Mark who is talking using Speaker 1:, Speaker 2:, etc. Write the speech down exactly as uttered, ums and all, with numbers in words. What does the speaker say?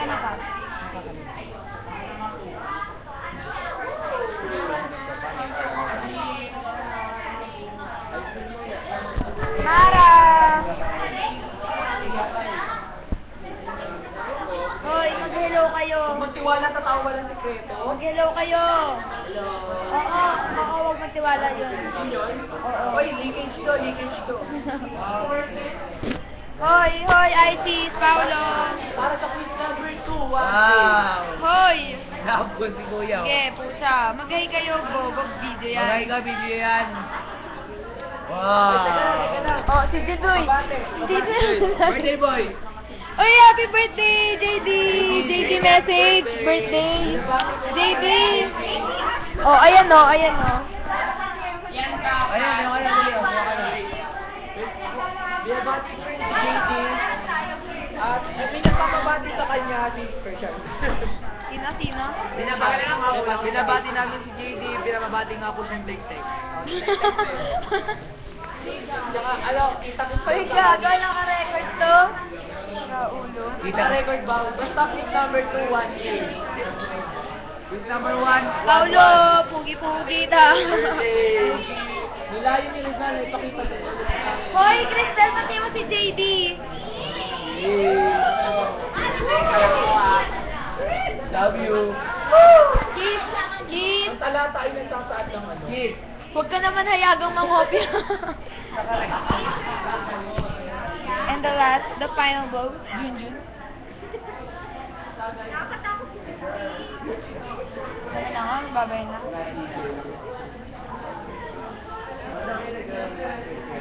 Speaker 1: ka na pa. Mara! Hoy, mag-hello kayo.
Speaker 2: Magtiwala sa tao walang sekreto.
Speaker 1: Mag-hello kayo.
Speaker 2: Hello.
Speaker 1: Oo, oo, huwag magtiwala yun.
Speaker 2: Yun?
Speaker 1: Oo.
Speaker 2: Oy, leakage to, leakage to.
Speaker 1: Hoy, hoy, I T, Paolo.
Speaker 2: Para sa quiz number two, one
Speaker 3: Wow!
Speaker 1: Hoy.
Speaker 3: Nakapagod si Kuya. oh.
Speaker 1: Sige, pusa. Mag-hi kayo, Bobog video yan.
Speaker 3: Magay ka, video yan. Wow!
Speaker 1: Oh, si Jidoy. Jidoy.
Speaker 3: Birthday boy!
Speaker 1: Oy, happy birthday, J D! J D message, birthday. J D! Oh, ayan o, ayan o.
Speaker 3: Ayan, yung ano dali. oh, buka na.
Speaker 2: Binabati ko rin si J D. At may nagpapabati sa kanya si Persian.
Speaker 1: Sino, sino?
Speaker 3: Binabati, binabati namin si J D, binabati nga po siyang tek-tek.
Speaker 2: Tsaka, ano, kita ko
Speaker 1: Hoy, gaga, naka-record to. Raulo.
Speaker 2: Kita record ba? Basta quiz number two, one eight.
Speaker 3: Quiz number one.
Speaker 1: Paulo, pugi-pugi ta.
Speaker 2: Nilayo ni Rizal, ipakita ko.
Speaker 1: Hoy, Cristel, pati mo si J D.
Speaker 3: Love you.
Speaker 1: Kiss, kiss.
Speaker 2: Ang talata ay nagsasaad ng ano.
Speaker 3: Kiss.
Speaker 1: Huwag ka naman hayagang mangopya. And the last, the final blow, Junjun. Ano na nga, babay na.